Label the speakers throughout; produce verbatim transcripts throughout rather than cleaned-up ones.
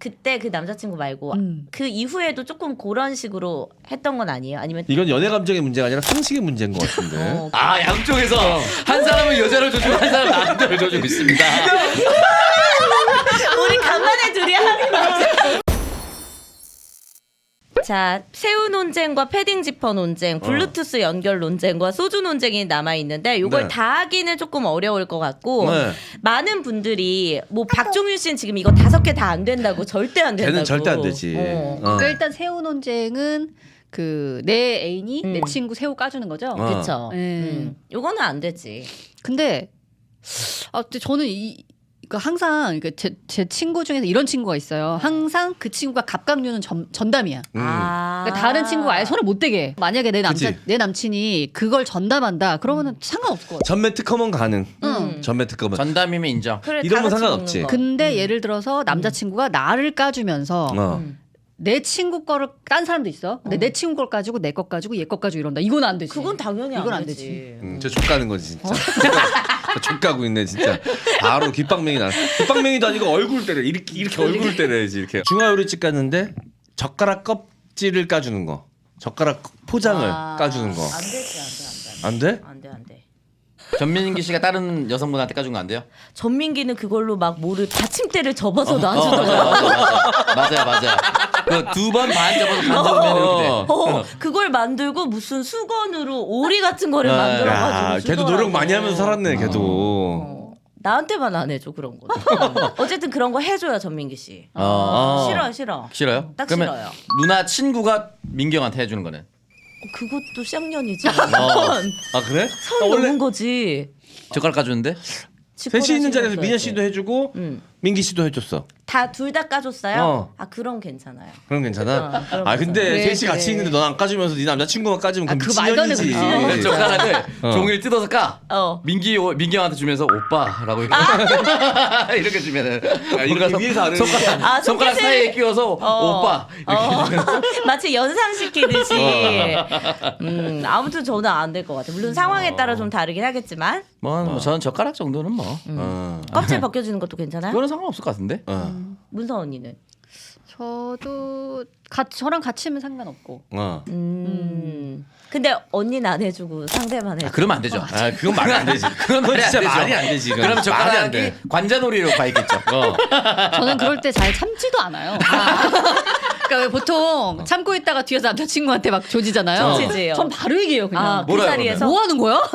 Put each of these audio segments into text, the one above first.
Speaker 1: 그때 그 남자친구 말고
Speaker 2: 음.
Speaker 1: 그 이후에도 조금 그런 식으로 했던 건 아니에요? 아니면
Speaker 3: 이건 연애 감정의 문제가 아니라 상식의 문제인 것 같은데.
Speaker 1: 어,
Speaker 4: 아 양쪽에서 한 사람은 여자를 조주고 한 사람은 남자를 조주고 있습니다.
Speaker 1: 우리 간만에 둘이 하는 거지. 자, 새우 논쟁과 패딩 지퍼 논쟁, 블루투스 연결 논쟁과 소주 논쟁이 남아 있는데 이걸
Speaker 3: 네.
Speaker 1: 다 하기는 조금 어려울 것 같고
Speaker 3: 네.
Speaker 1: 많은 분들이 뭐 박종윤 씨는 지금 이거 다섯 개 다 안 된다고 절대 안 된다고.
Speaker 3: 걔는 절대 안 되지.
Speaker 1: 어.
Speaker 3: 어.
Speaker 2: 그러니까 일단 새우 논쟁은 그 내 애인이
Speaker 1: 음.
Speaker 2: 내 친구 새우 까주는 거죠.
Speaker 3: 어.
Speaker 1: 그렇죠.
Speaker 2: 네.
Speaker 1: 음. 요거는 안 되지.
Speaker 2: 근데 아 근데 저는 이 그 항상 그 제 제 친구 중에서 이런 친구가 있어요. 항상 그 친구가 갑각류는 전, 전담이야.
Speaker 3: 음.
Speaker 1: 아.
Speaker 2: 그러니까 다른 친구가 아예 손을 못 대게. 해. 만약에 내 남자
Speaker 3: 그치.
Speaker 2: 내 남친이 그걸 전담한다. 그러면은 상관없을 것 같아.
Speaker 3: 전매 특허면 가능.
Speaker 1: 음.
Speaker 3: 전매 특허면.
Speaker 4: 전담이면 인정.
Speaker 1: 그래,
Speaker 3: 이러면
Speaker 1: 다 같이
Speaker 3: 상관없지.
Speaker 1: 먹는 거.
Speaker 2: 근데 예를 들어서 남자친구가 나를 까주면서
Speaker 3: 어.
Speaker 1: 음.
Speaker 2: 내 친구 거를 딴 사람도 있어. 근데 내 친구 걸 가지고 내 것 가지고 얘 것 가지고 이런다. 이건 안 되지.
Speaker 1: 그건 당연히
Speaker 2: 이건
Speaker 1: 안
Speaker 2: 안
Speaker 1: 되지.
Speaker 2: 되지.
Speaker 3: 음, 저 족가는 거지 진짜. 족가고 있네 진짜. 바로 귓방맹이 나. 귓방맹이도 아니고 얼굴 때려. 이렇게 이렇게 얼굴 때려야지 이렇게. 중화요리집 갔는데 젓가락 껍질을 까주는 거. 젓가락 포장을
Speaker 2: 아.
Speaker 3: 까주는 거.
Speaker 1: 안 되지, 안 돼,
Speaker 3: 안 돼?
Speaker 1: 안 돼. 안 돼, 안 돼.
Speaker 4: 전민기 씨가 다른 여성분한테 까준 거 안 돼요?
Speaker 1: 전민기는 그걸로 막 뭐를 받침대를 접어서
Speaker 4: 어,
Speaker 1: 놔주더라고.
Speaker 4: 맞아, 맞아, 맞아, 맞아. 그 두 번 반 접어서 반 접으면 이렇게 돼.
Speaker 1: 어, 그걸 만들고 무슨 수건으로 오리 같은 거를
Speaker 4: 야,
Speaker 1: 만들어가지고
Speaker 3: 야, 걔도
Speaker 1: 주더라고.
Speaker 3: 노력 많이 하면서 살았네 걔도.
Speaker 1: 어, 나한테만 안 해줘 그런 거. 어쨌든 그런 거 해줘요 전민기 씨.
Speaker 4: 어.
Speaker 1: 싫어 싫어.
Speaker 4: 싫어요?
Speaker 1: 딱
Speaker 4: 그러면
Speaker 1: 싫어요.
Speaker 4: 누나 친구가 민경한테 해주는 거는?
Speaker 1: 어, 그것도 쌍년이지.
Speaker 3: 어. 아 그래?
Speaker 1: 선
Speaker 3: 아,
Speaker 1: 넘은 거지.
Speaker 4: 젓가락 까주는데?
Speaker 3: 셋이 있는 자리에서
Speaker 1: 지퍼를
Speaker 3: 민현
Speaker 1: 하셔야
Speaker 3: 씨도
Speaker 1: 돼.
Speaker 3: 해주고
Speaker 1: 음.
Speaker 3: 민기 씨도 해줬어.
Speaker 1: 다 둘 다 까줬어요?
Speaker 3: 어.
Speaker 1: 아 그럼 괜찮아요.
Speaker 3: 그럼 괜찮아?
Speaker 1: 어, 그럼
Speaker 3: 아 근데
Speaker 2: 그래,
Speaker 3: 셋이 같이
Speaker 2: 그래.
Speaker 3: 있는데 넌 안 까주면서 네 남자친구만 까주면
Speaker 2: 아,
Speaker 3: 그럼
Speaker 2: 그거 말도 안
Speaker 3: 미친년이지.
Speaker 2: 되고
Speaker 1: 그치.
Speaker 4: 젓가락을
Speaker 3: 어.
Speaker 4: 종이를 뜯어서 까.
Speaker 1: 어.
Speaker 4: 민기 민경한테 주면서 오빠라고 이렇게, 이렇게 주면은
Speaker 3: 이렇게
Speaker 4: 뭔가
Speaker 3: 위에서 아래로
Speaker 4: 손가락,
Speaker 1: 아,
Speaker 4: 손가락
Speaker 1: 손끝을-
Speaker 4: 사이에 끼워서
Speaker 1: 어.
Speaker 4: 오빠 이렇게
Speaker 1: 어.
Speaker 4: 주면
Speaker 1: 마치 연상시키듯이. 음, 아무튼 저는 안 될 것 같아요. 물론 상황에 따라 좀 다르긴 하겠지만
Speaker 4: 뭐, 뭐 저는 젓가락 정도는 뭐
Speaker 3: 어.
Speaker 1: 껍질 벗겨주는 것도 괜찮아요?
Speaker 4: 그거는 상관없을 것 같은데.
Speaker 3: 어.
Speaker 1: 문서 언니는?
Speaker 2: 저도 같이 저랑 같이 하면 상관없고.
Speaker 3: 어.
Speaker 1: 음. 근데 언니는 안 해주고 상대만 해.
Speaker 4: 아, 그러면 안 되죠.
Speaker 3: 아 그건 말이 안 되지.
Speaker 4: 그건
Speaker 3: 그건
Speaker 4: 말이 안
Speaker 3: 진짜
Speaker 4: 되죠.
Speaker 3: 말이 안 되지. 그건.
Speaker 4: 그러면
Speaker 3: 말이 안
Speaker 4: 젓가락이
Speaker 3: 돼.
Speaker 4: 관자놀이로 가 있겠죠.
Speaker 3: 어.
Speaker 2: 저는 그럴 때 잘 참지도 않아요. 그러니까 왜 보통 참고 있다가 뒤에서 남자친구한테 막 조지잖아요.
Speaker 1: 조지지요.
Speaker 2: 전 바로 얘기해요 그냥.
Speaker 1: 아, 그
Speaker 4: 뭐라요,
Speaker 1: 자리에서?
Speaker 2: 뭐 하는 거야?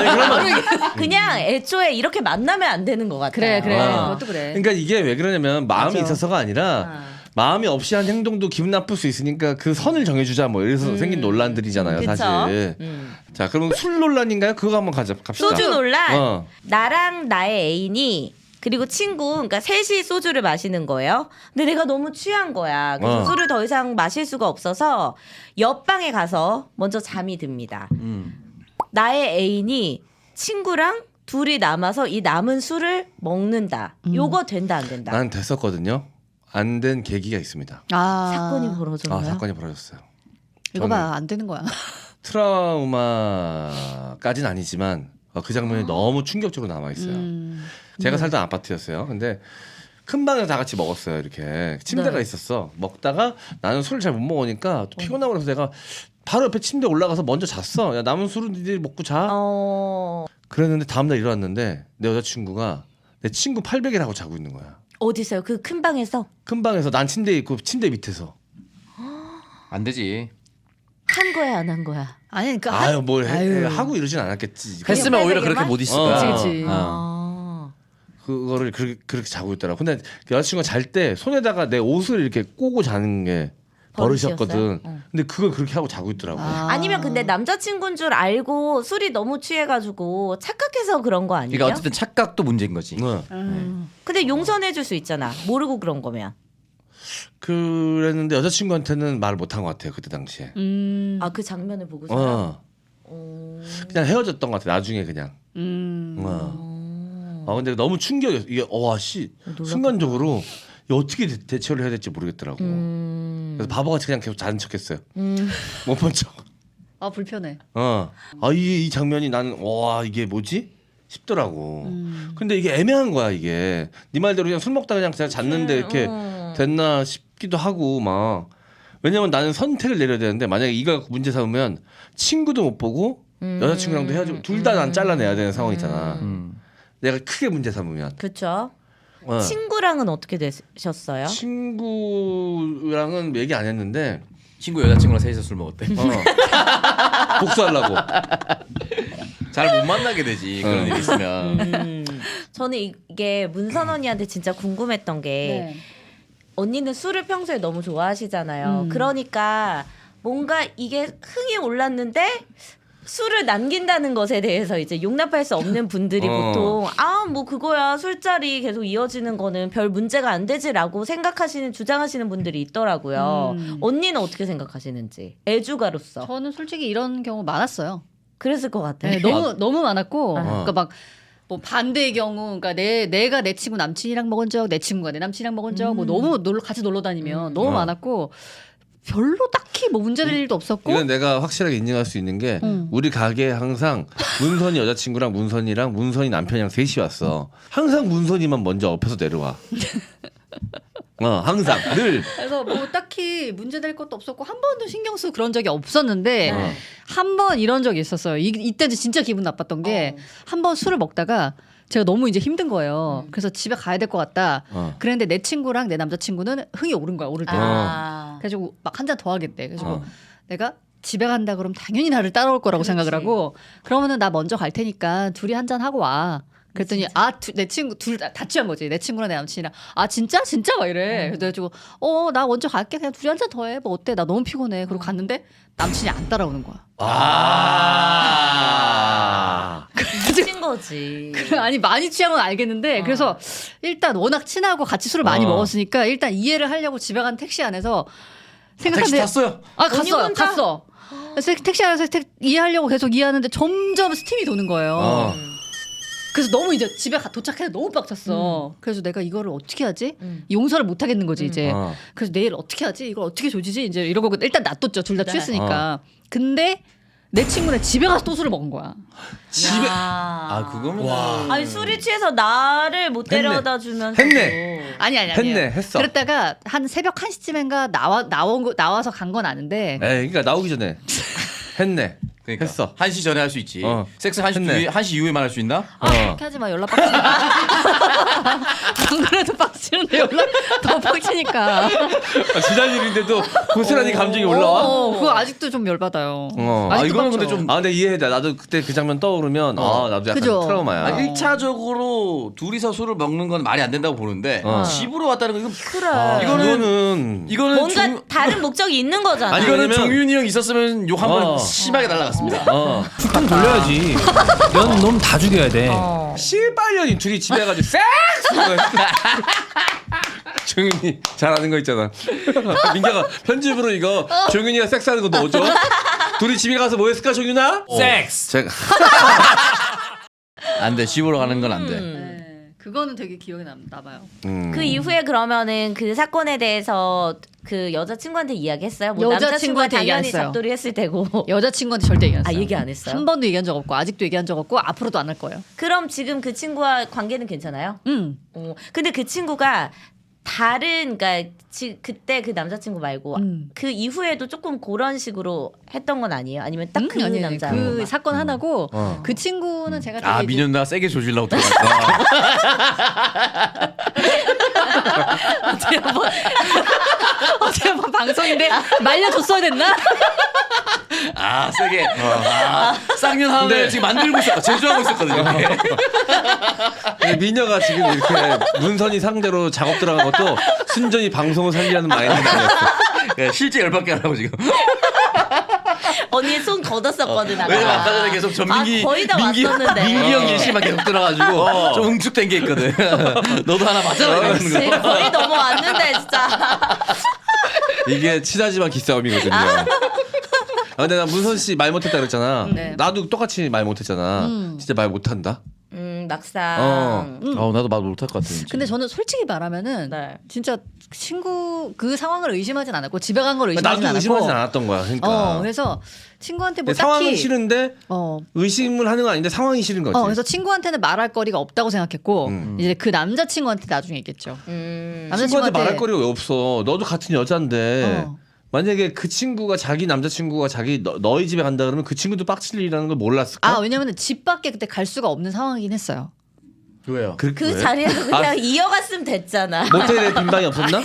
Speaker 1: 그냥 애초에 이렇게 만나면 안 되는 것 같아요.
Speaker 2: 그래 그래
Speaker 3: 어.
Speaker 2: 그것도 그래.
Speaker 3: 그러니까 이게 왜 그러냐면 마음이
Speaker 2: 맞아.
Speaker 3: 있어서가 아니라
Speaker 1: 아.
Speaker 3: 마음이 없이 한 행동도 기분 나쁠 수 있으니까 그 선을 정해주자 뭐 이래서 생긴 논란들이잖아요
Speaker 1: 그쵸?
Speaker 3: 사실.
Speaker 1: 음.
Speaker 3: 자 그럼 술 논란인가요? 그거 한번 가자 갑시다.
Speaker 1: 소주 논란.
Speaker 3: 어.
Speaker 1: 나랑 나의 애인이 그리고 친구, 그러니까 셋이 소주를 마시는 거예요. 근데 내가 너무 취한 거야. 그래서
Speaker 3: 어.
Speaker 1: 술을 더 이상 마실 수가 없어서 옆방에 가서 먼저 잠이 듭니다.
Speaker 4: 음.
Speaker 1: 나의 애인이 친구랑 둘이 남아서 이 남은 술을 먹는다. 요거 된다 안 된다.
Speaker 3: 난 됐었거든요. 안 된 계기가 있습니다.
Speaker 2: 아
Speaker 1: 사건이 벌어졌나요?
Speaker 3: 아 사건이 벌어졌어요.
Speaker 2: 이거 봐 안 되는 거야.
Speaker 3: 트라우마까지는 아니지만 어, 그 장면이 너무 충격적으로 남아 있어요.
Speaker 2: 음.
Speaker 3: 제가 살던 아파트였어요. 근데 큰 방에서 다 같이 먹었어요. 이렇게 침대가
Speaker 1: 네.
Speaker 3: 있었어. 먹다가 나는 술을 잘 못 먹으니까 또 피곤하고 그래서 내가 바로 옆에 침대 올라가서 먼저 잤어. 야 남은 술은 니들이 먹고 자.
Speaker 1: 어...
Speaker 3: 그랬는데 다음날 일어났는데 내 여자친구가 내 친구 팔베개를 하고 자고 있는 거야.
Speaker 1: 어디서요? 그 큰 방에서
Speaker 3: 큰 방에서 난 침대에 있고 침대 밑에서.
Speaker 4: 안 되지.
Speaker 1: 한 거야 안 한 거야?
Speaker 2: 아니 그러니까
Speaker 3: 아유 뭘 해,
Speaker 2: 아유.
Speaker 3: 하고 이러진 않았겠지.
Speaker 4: 했으면 오히려
Speaker 1: 팔베개만?
Speaker 4: 그렇게 못 있을
Speaker 3: 어.
Speaker 4: 거야.
Speaker 2: 그치, 그치.
Speaker 4: 어.
Speaker 1: 아...
Speaker 3: 그거를 그렇게, 그렇게 자고 있더라고. 근데 그 여자친구가 잘 때 손에다가 내 옷을 이렇게 꼬고 자는 게 버릇이었거든.
Speaker 1: 버릇이었어요? 어.
Speaker 3: 근데 그걸 그렇게 하고 자고 있더라고.
Speaker 2: 아.
Speaker 1: 아니면 근데 남자친구인 줄 알고 술이 너무 취해가지고 착각해서 그런 거 아니에요?
Speaker 4: 그러니까 어쨌든 착각도 문제인 거지.
Speaker 3: 응.
Speaker 2: 음.
Speaker 1: 근데 용서해줄 수 있잖아. 모르고 그런 거면.
Speaker 3: 그랬는데 여자친구한테는 말을 못한 것 같아요 그때 당시에.
Speaker 2: 음.
Speaker 1: 아 그 장면을 보고서.
Speaker 3: 어.
Speaker 1: 어...
Speaker 3: 그냥 헤어졌던 것 같아 나중에 그냥.
Speaker 2: 음.
Speaker 3: 어. 아 근데 너무 충격이었어. 이게 와씨 순간적으로 이거 어떻게 대- 대처를 해야 될지 모르겠더라고.
Speaker 1: 음...
Speaker 3: 그래서 바보같이 그냥 계속 자는 척했어요.
Speaker 1: 음...
Speaker 3: 못 본 척.
Speaker 2: 아 불편해.
Speaker 3: 어. 아이 이 장면이 나는 와 이게 뭐지 싶더라고.
Speaker 2: 음.
Speaker 3: 근데 이게 애매한 거야 이게. 네 말대로 그냥 술 먹다 그냥 그냥 잤는데 이렇게
Speaker 1: 어...
Speaker 3: 됐나 싶기도 하고 막 왜냐면 나는 선택을 내려야 되는데 만약에 이가 문제 삼으면 친구도 못 보고
Speaker 1: 음.
Speaker 3: 여자친구랑도 헤어지고 둘 다 난 잘라내야 되는 상황이잖아.
Speaker 4: 음.
Speaker 3: 내가 크게 문제 삼으면.
Speaker 1: 그렇죠.
Speaker 3: 어.
Speaker 1: 친구랑은 어떻게 되셨어요?
Speaker 3: 친구랑은 얘기 안 했는데
Speaker 4: 친구 여자친구랑 셋이서 술 먹었대.
Speaker 3: 어. 복수하려고.
Speaker 4: 잘 못 만나게 되지 그런
Speaker 3: 어.
Speaker 4: 일이 있으면.
Speaker 1: 음. 저는 이게 문선 언니한테 진짜 궁금했던 게
Speaker 2: 네.
Speaker 1: 언니는 술을 평소에 너무 좋아하시잖아요.
Speaker 2: 음.
Speaker 1: 그러니까 뭔가 이게 흥이 올랐는데 술을 남긴다는 것에 대해서 이제 용납할 수 없는 분들이
Speaker 3: 어.
Speaker 1: 보통 아 뭐 그거야 술자리 계속 이어지는 거는 별 문제가 안 되지라고 생각하시는 주장하시는 분들이 있더라고요.
Speaker 2: 음.
Speaker 1: 언니는 어떻게 생각하시는지 애주가로서
Speaker 2: 저는 솔직히 이런 경우 많았어요.
Speaker 1: 그랬을 것 같아요.
Speaker 2: 네, 너무 너무 많았고,
Speaker 3: 아.
Speaker 2: 그러니까 막. 뭐 반대의 경우, 그러니까 내 내가 내 친구 남친이랑 먹은 적, 내 친구가 내 남친이랑 먹은 적, 뭐 너무 놀러 같이 놀러 다니면 너무
Speaker 3: 어.
Speaker 2: 많았고 별로 딱히 뭐 문제될 일도 없었고.
Speaker 3: 이건 내가 확실하게 인정할 수 있는 게
Speaker 2: 음.
Speaker 3: 우리 가게에 항상 문선이 여자친구랑 문선이랑 문선이 남편이랑 셋이 왔어. 항상 문선이만 먼저 엎혀서 내려와. 어 항상 늘.
Speaker 2: 그래서 뭐 딱히 문제될 것도 없었고 한 번도 신경 쓰고 그런 적이 없었는데
Speaker 3: 어.
Speaker 2: 한 번 이런 적이 있었어요. 이, 이때도 진짜 기분 나빴던 게
Speaker 1: 어.
Speaker 2: 한 번 술을 먹다가 제가 너무 이제 힘든 거예요. 그래서 집에 가야 될 것 같다.
Speaker 3: 어.
Speaker 2: 그랬는데 내 친구랑 내 남자친구는 흥이 오른 거야. 오를 때.
Speaker 1: 아.
Speaker 2: 그래가지고 막 한 잔 더 하겠대. 그래가지고
Speaker 3: 어.
Speaker 2: 내가 집에 간다 그러면 당연히 나를 따라올 거라고
Speaker 1: 그렇지.
Speaker 2: 생각을 하고 그러면은 나 먼저 갈 테니까 둘이 한 잔 하고 와. 그랬더니 아 내 친구 둘 다 취한 거지. 내 친구랑 내 남친이랑 아 진짜 진짜 막 이래. 그래가지고 어 나 먼저 갈게. 그냥 둘이 한 잔 더 해. 뭐 어때? 나 너무 피곤해. 그리고 갔는데 남친이 안 따라오는 거야.
Speaker 3: 아.
Speaker 1: 미친 거지.
Speaker 2: 아니 많이 취한 건 알겠는데
Speaker 1: 어.
Speaker 2: 그래서 일단 워낙 친하고 같이 술을 많이
Speaker 3: 어.
Speaker 2: 먹었으니까 일단 이해를 하려고 집에 간 택시 안에서
Speaker 4: 택시
Speaker 2: 생각하는데
Speaker 4: 탔어요.
Speaker 2: 아
Speaker 1: 언니
Speaker 2: 갔어요.
Speaker 1: 혼자?
Speaker 2: 갔어. 그래서 택시 안에서 택, 이해하려고 계속 이해하는데 점점 스팀이 도는 거예요.
Speaker 3: 어.
Speaker 2: 그래서 너무 이제 집에 가, 도착해서 너무 빡쳤어. 그래서 내가 이거를 어떻게 하지?
Speaker 1: 음.
Speaker 2: 용서를 못 하겠는 거지 이제.
Speaker 3: 어.
Speaker 2: 그래서 내일 어떻게 하지? 이걸 어떻게 조지지? 이제 이러고 일단 놔뒀죠. 둘 다
Speaker 1: 네.
Speaker 2: 취했으니까. 근데 내 친구는 집에 가서 또 술을 먹은 거야.
Speaker 3: 집에
Speaker 1: 아,
Speaker 4: 아 그거면
Speaker 3: 와.
Speaker 1: 아니 술이 취해서 나를 못
Speaker 3: 했네.
Speaker 1: 데려다 주면서
Speaker 3: 했네.
Speaker 2: 아니 아니 아니.
Speaker 3: 했네, 했어.
Speaker 2: 그랬다가 한 새벽 한 시쯤인가 나와 나온 거 나와서 간 건 아는데.
Speaker 3: 에이, 그러니까 나오기 전에 했네.
Speaker 4: 그러니까
Speaker 3: 했어.
Speaker 4: 한 시 전에 할 수 있지.
Speaker 3: 어.
Speaker 4: 섹스 한 시
Speaker 3: 했네.
Speaker 4: 뒤에 한 시 이후에만 할 수 있나?
Speaker 2: 아
Speaker 3: 어.
Speaker 2: 그렇게 하지 마 연락 빡치니까. 안 그래도 빡치는데 연락 더 빡치니까.
Speaker 3: 아, 지난 일인데도 고스란히 감정이 올라와.
Speaker 2: 어, 그거 아직도 좀 열받아요.
Speaker 3: 어.
Speaker 4: 아
Speaker 2: 아직도
Speaker 4: 이거는
Speaker 2: 빡쳐.
Speaker 4: 근데 좀
Speaker 3: 아 근데 이해해. 나도 그때 그 장면 떠오르면
Speaker 4: 어.
Speaker 3: 아 나도 약간
Speaker 2: 그죠.
Speaker 3: 트라우마야.
Speaker 4: 아, 일 차적으로 둘이서 술을 먹는 건 말이 안 된다고 보는데
Speaker 3: 어.
Speaker 4: 집으로 왔다는 건 이건
Speaker 1: 그래.
Speaker 3: 아,
Speaker 4: 이거는-
Speaker 3: 이거는
Speaker 4: 이거는
Speaker 1: 뭔가
Speaker 4: 종-
Speaker 1: 다른 목적이 있는 거잖아.
Speaker 3: 아니,
Speaker 4: 이거는
Speaker 3: 왜냐면-
Speaker 4: 정윤이 형 있었으면 욕 한 번
Speaker 3: 어.
Speaker 4: 심하게 날라갔습니다.
Speaker 3: 어.
Speaker 5: 툭 돌려야지. 넌 놈 다 죽여야 돼.
Speaker 1: 어.
Speaker 3: 실발년이 둘이 집에 가지고 섹스. 정윤이 잘하는 거 있잖아. 민규가 편집으로 이거 정윤이가 섹스하는 거 넣어줘. 둘이 집에 가서 뭐 했을까 정윤아?
Speaker 5: 섹스.
Speaker 3: 제가
Speaker 4: 안 돼. 집으로 가는 건 안 돼.
Speaker 2: 네, 그거는 되게 기억에 남, 나봐요.
Speaker 3: 음.
Speaker 1: 그 이후에 그러면은 그 사건에 대해서 그 여자친구한테 이야기했어요? 뭐 남자친구가
Speaker 2: 여자친구한테 얘기 안
Speaker 1: 당연히
Speaker 2: 했어요.
Speaker 1: 잡돌이 했을 테고.
Speaker 2: 여자친구한테 절대 얘기 안
Speaker 1: 아
Speaker 2: 했어요.
Speaker 1: 얘기 안 했어요?
Speaker 2: 한 번도 얘기한 적 없고 아직도 얘기한 적 없고 앞으로도 안 할 거예요.
Speaker 1: 그럼 지금 그 친구와 관계는 괜찮아요?
Speaker 2: 음.
Speaker 1: 어. 근데 그 친구가 다른 그러니까 지, 그때 그 남자친구 말고
Speaker 2: 음.
Speaker 1: 그 이후에도 조금 그런 식으로 했던 건 아니에요? 아니면 딱 그
Speaker 2: 음, 아니, 아니,
Speaker 1: 남자
Speaker 2: 그 사건 하나고
Speaker 3: 어.
Speaker 2: 그 친구는 제가
Speaker 4: 아
Speaker 2: 되게 이제-
Speaker 4: 민현 나 세게 조질라고 들어갔어.
Speaker 2: 어제 한번 어제 한번 방송인데 말려줬어야 됐나?
Speaker 4: 아 세게. 아, 쌍년 하나
Speaker 3: 근데-
Speaker 4: 지금 만들고 있었 제조하고 있었거든요.
Speaker 3: 근데 미녀가 지금 이렇게 문선이 상대로 작업 들어간 것도 순전히 방송을 살리려는 마인드는 아니었어.
Speaker 4: 네, 실제 열받게 하라고 지금.
Speaker 1: 언니 손 걷었었거든. 아까.
Speaker 4: 왜냐면 아까 전에 계속 전민기
Speaker 1: 아, 거의 다
Speaker 4: 민기,
Speaker 1: 왔었는데.
Speaker 4: 민기 형 일시만 계속 들어가지고 좀 응축된 게 있거든. 너도 하나 맞아라 이러는
Speaker 1: 제
Speaker 4: 거.
Speaker 1: 거의 넘어왔는데 진짜.
Speaker 3: 이게 친하지만 기싸움이거든요. 아, 근데 나 문선 씨 말 못했다 그랬잖아.
Speaker 2: 네.
Speaker 3: 나도 똑같이 말 못했잖아.
Speaker 2: 음.
Speaker 3: 진짜 말 못한다.
Speaker 1: 음 막상.
Speaker 3: 어.
Speaker 2: 음.
Speaker 4: 아, 나도 말 못할 것 같아. 왠지.
Speaker 2: 근데 저는 솔직히 말하면
Speaker 1: 네.
Speaker 2: 진짜 친구 그 상황을 의심하진 않았고 집에 간 걸 의심하진
Speaker 3: 나도
Speaker 2: 않았고.
Speaker 3: 의심하진 않았던 거야. 그러니까.
Speaker 2: 어, 그래서 친구한테 뭐
Speaker 3: 근데 상황은
Speaker 2: 딱히
Speaker 3: 싫은데
Speaker 2: 어,
Speaker 3: 의심을 하는 건 아닌데 상황이 싫은 거지.
Speaker 2: 어, 그래서 친구한테는 말할 거리가 없다고 생각했고
Speaker 3: 음.
Speaker 2: 이제 그 남자 친구한테 나중에 얘기했죠.
Speaker 1: 음.
Speaker 3: 친구한테 말할 거리가 왜 없어. 너도 같은 여잔데
Speaker 2: 어.
Speaker 3: 만약에 그 친구가 자기 남자친구가 자기 너, 너희 집에 간다 그러면 그 친구도 빡칠이라는 걸 몰랐을까?
Speaker 2: 아 왜냐면 집 밖에 그때 갈 수가 없는 상황이긴 했어요.
Speaker 4: 왜요?
Speaker 3: 그,
Speaker 1: 그
Speaker 3: 왜?
Speaker 1: 자리에서 그냥
Speaker 3: 아,
Speaker 1: 이어갔으면 됐잖아.
Speaker 3: 모텔에 빈 방이 없었나?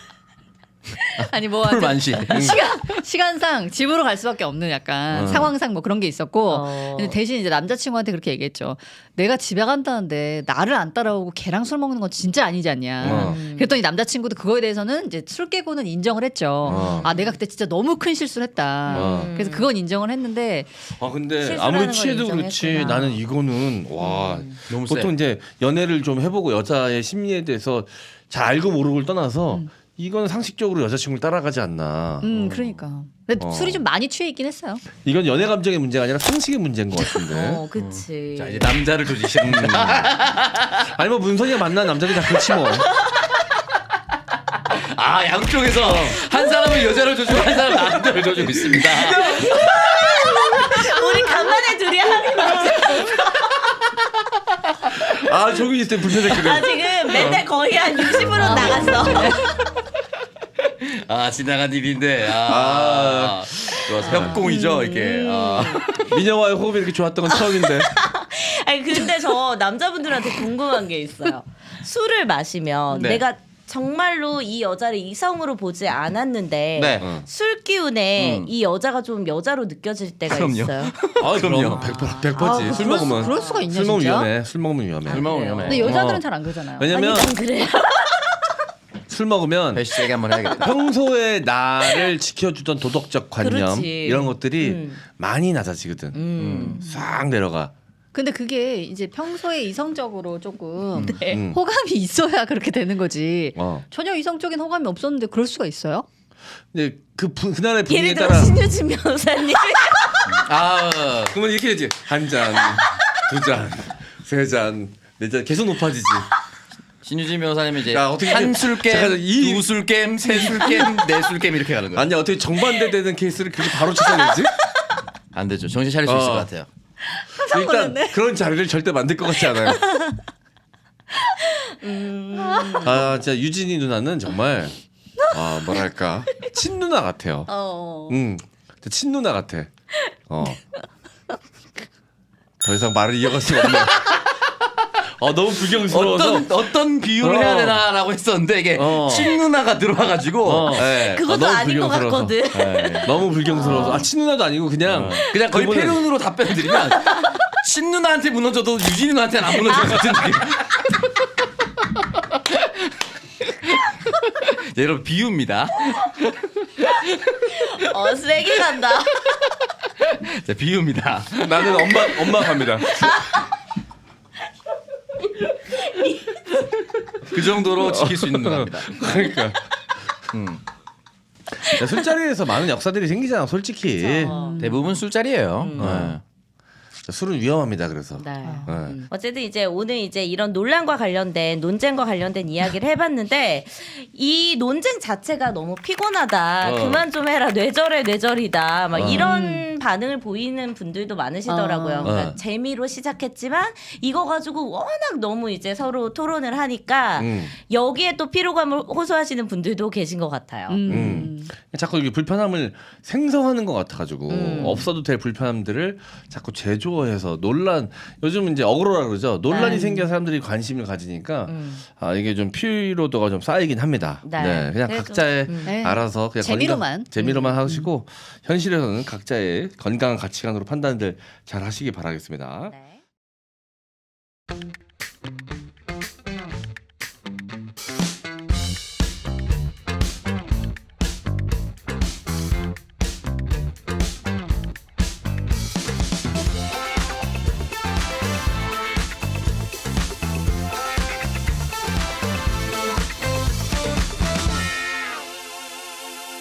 Speaker 2: 아니 뭐
Speaker 4: 풀
Speaker 2: 하여튼
Speaker 4: 만시.
Speaker 2: 시간 시간상 집으로 갈 수밖에 없는 약간
Speaker 3: 어.
Speaker 2: 상황상 뭐 그런 게 있었고
Speaker 1: 어.
Speaker 2: 근데 대신 이제 남자친구한테 그렇게 얘기했죠. 내가 집에 간다는데 나를 안 따라오고 걔랑 술 먹는 건 진짜 아니지 않냐.
Speaker 3: 어.
Speaker 2: 그랬더니 남자친구도 그거에 대해서는 이제 술 깨고는 인정을 했죠.
Speaker 3: 어.
Speaker 2: 아 내가 그때 진짜 너무 큰 실수를 했다.
Speaker 3: 어.
Speaker 2: 그래서 그건 인정을 했는데
Speaker 3: 아 근데
Speaker 1: 실수라는
Speaker 3: 아무리
Speaker 1: 걸
Speaker 3: 취해도 그렇지
Speaker 1: 인정했구나.
Speaker 3: 나는 이거는 와
Speaker 4: 너무 세.
Speaker 3: 보통 이제 연애를 좀 해보고 여자의 심리에 대해서 잘 알고 모르고를 떠나서 이건 상식적으로 여자친구를 따라가지 않나.
Speaker 2: 음
Speaker 3: 어.
Speaker 2: 그러니까 근데
Speaker 3: 어.
Speaker 2: 술이 좀 많이 취해 있긴 했어요.
Speaker 3: 이건 연애 감정의 문제가 아니라 상식의 문제인 것 같은데.
Speaker 1: 어, 그치.
Speaker 4: 자 이제 남자를 조지시합니다.
Speaker 3: 아니 뭐 문선이가 만난 남자들이 다 그렇지 뭐.
Speaker 4: 아 양쪽에서 한 사람은 여자를 조지고 한 사람은 남자를 조지고 있습니다.
Speaker 1: 우리 간만에 둘이 하는 거지.
Speaker 3: 아 저기 있을 때 불편했거든.
Speaker 1: 아 지금 맨날 거의 한 육십으로 나갔어.
Speaker 4: 아 지나간 일인데 아, 좋아서 협공이죠 이게. 아.
Speaker 3: 미녀와의 호흡이 이렇게 좋았던 건 처음인데.
Speaker 1: 아니 근데 저 남자분들한테 궁금한 게 있어요. 술을 마시면
Speaker 4: 네.
Speaker 1: 내가 정말로 이 여자를 이성으로 보지 않았는데
Speaker 4: 네.
Speaker 3: 어.
Speaker 1: 술 기운에
Speaker 4: 음.
Speaker 1: 이 여자가 좀 여자로 느껴질 때가
Speaker 4: 그럼요.
Speaker 1: 있어요.
Speaker 3: 아
Speaker 4: 그럼요.
Speaker 3: 그럼 백퍼
Speaker 2: 아,
Speaker 3: 지 술
Speaker 2: 그럴 수-
Speaker 3: 먹으면
Speaker 2: 그럴 수가 있냐,
Speaker 3: 술 먹으면
Speaker 2: 진짜?
Speaker 3: 위험해. 술 먹으면 위험해.
Speaker 4: 술 먹으면 위험해.
Speaker 2: 근데 여자들은
Speaker 3: 어.
Speaker 2: 잘 안 그러잖아요.
Speaker 3: 왜냐면
Speaker 1: 아니 난 그래요.
Speaker 3: 술 먹으면
Speaker 4: 배시 세게 한번 해야겠다.
Speaker 3: 평소에 나를 지켜주던 도덕적 관념
Speaker 1: 그렇지.
Speaker 3: 이런 것들이
Speaker 1: 음.
Speaker 3: 많이 낮아지거든.
Speaker 1: 음.
Speaker 3: 싹 내려가.
Speaker 2: 근데 그게 이제 평소에 이성적으로 조금
Speaker 1: 네.
Speaker 3: 음.
Speaker 2: 호감이 있어야 그렇게 되는 거지.
Speaker 3: 어.
Speaker 2: 전혀 이성적인 호감이 없었는데 그럴 수가 있어요?
Speaker 3: 근데 그 부, 그날의 분위기에
Speaker 1: 예를 들어
Speaker 3: 따라
Speaker 1: 신유진 변호사님.
Speaker 4: 아
Speaker 3: 그러면 이렇게 되지. 한 잔, 두 잔, 세 잔, 네 잔 계속 높아지지.
Speaker 4: 신유진 변호사님이 이제
Speaker 3: 야, 어떻게
Speaker 4: 한
Speaker 3: 잠깐,
Speaker 4: 술겜,
Speaker 3: 이-
Speaker 4: 두 술겜, 세 술겜, 네 술겜 이렇게 가는 거예요.
Speaker 3: 아니 어떻게 정반대 되는 케이스를 그렇게 바로 찾아내지?
Speaker 4: 안 되죠. 정신 차릴 수 있을
Speaker 3: 어.
Speaker 4: 것 같아요.
Speaker 3: 일단 그런 자리를 절대 만들 것 같지 않아요. 아 진짜 유진이 누나는 정말 아 뭐랄까 친누나 같아요.
Speaker 2: 어.
Speaker 3: 음, 진짜 친누나 같아. 어. 더 이상 말을 이어갈 수가 없네. 어 너무 불경스러워서.
Speaker 4: 어떤 어떤 비유를
Speaker 3: 어.
Speaker 4: 해야 되나라고 했었는데 이게
Speaker 3: 어.
Speaker 4: 친누나가 들어와가지고
Speaker 3: 어.
Speaker 4: 네.
Speaker 1: 그것도
Speaker 3: 너무
Speaker 1: 아닌 것
Speaker 3: 불경스러워서.
Speaker 1: 같거든.
Speaker 4: 네.
Speaker 3: 너무 불경스러워서 아 친누나도 아니고 그냥
Speaker 4: 그냥 거의
Speaker 3: 그분은-
Speaker 4: 패륜으로 답변을 드리면 친누나한테 무너져도 유진이 누나한테는 안 무너질 것 같은 느낌. 네, 여러분 비유입니다.
Speaker 1: 어 세게 간다.
Speaker 4: 자, 비유입니다.
Speaker 3: 나는 엄마 엄마 갑니다.
Speaker 4: 그 정도로 지킬 수 있는 누나입니다.
Speaker 3: 그러니까.
Speaker 4: 음.
Speaker 3: 야, 술자리에서 많은 역사들이 생기잖아 솔직히.
Speaker 4: 대부분 술자리예요.
Speaker 1: 음.
Speaker 4: 네.
Speaker 3: 자, 술은 위험합니다 그래서.
Speaker 1: 네.
Speaker 3: 네.
Speaker 1: 어쨌든 이제 오늘 이제 이런 논란과 관련된 논쟁과 관련된 이야기를 해봤는데 이 논쟁 자체가 너무 피곤하다.
Speaker 3: 어.
Speaker 1: 그만 좀 해라. 뇌절해 뇌절이다. 막
Speaker 3: 어.
Speaker 1: 이런 반응을 보이는 분들도 많으시더라고요.
Speaker 2: 어.
Speaker 1: 그러니까
Speaker 3: 어.
Speaker 1: 재미로 시작했지만 이거 가지고 워낙 너무 이제 서로 토론을 하니까
Speaker 3: 음.
Speaker 1: 여기에 또 피로감을 호소하시는 분들도 계신 것 같아요.
Speaker 2: 음.
Speaker 3: 음. 자꾸 이게 불편함을 생성하는 것 같아가지고
Speaker 1: 음.
Speaker 3: 없어도 될 불편함들을 자꾸 제조해서 논란 요즘 이제 어그로라 그러죠. 논란이
Speaker 1: 네.
Speaker 3: 생겨 사람들이 관심을 가지니까
Speaker 1: 음.
Speaker 3: 아 이게 좀 피로도가 좀 쌓이긴 합니다.
Speaker 1: 네.
Speaker 3: 네, 그냥
Speaker 1: 그래도,
Speaker 3: 각자의
Speaker 1: 음.
Speaker 2: 네.
Speaker 3: 알아서 그냥
Speaker 2: 재미로만.
Speaker 3: 건강, 재미로만 하시고 현실에서는 각자의 건강한 가치관으로 판단들 잘 하시기 바라겠습니다.
Speaker 1: 네.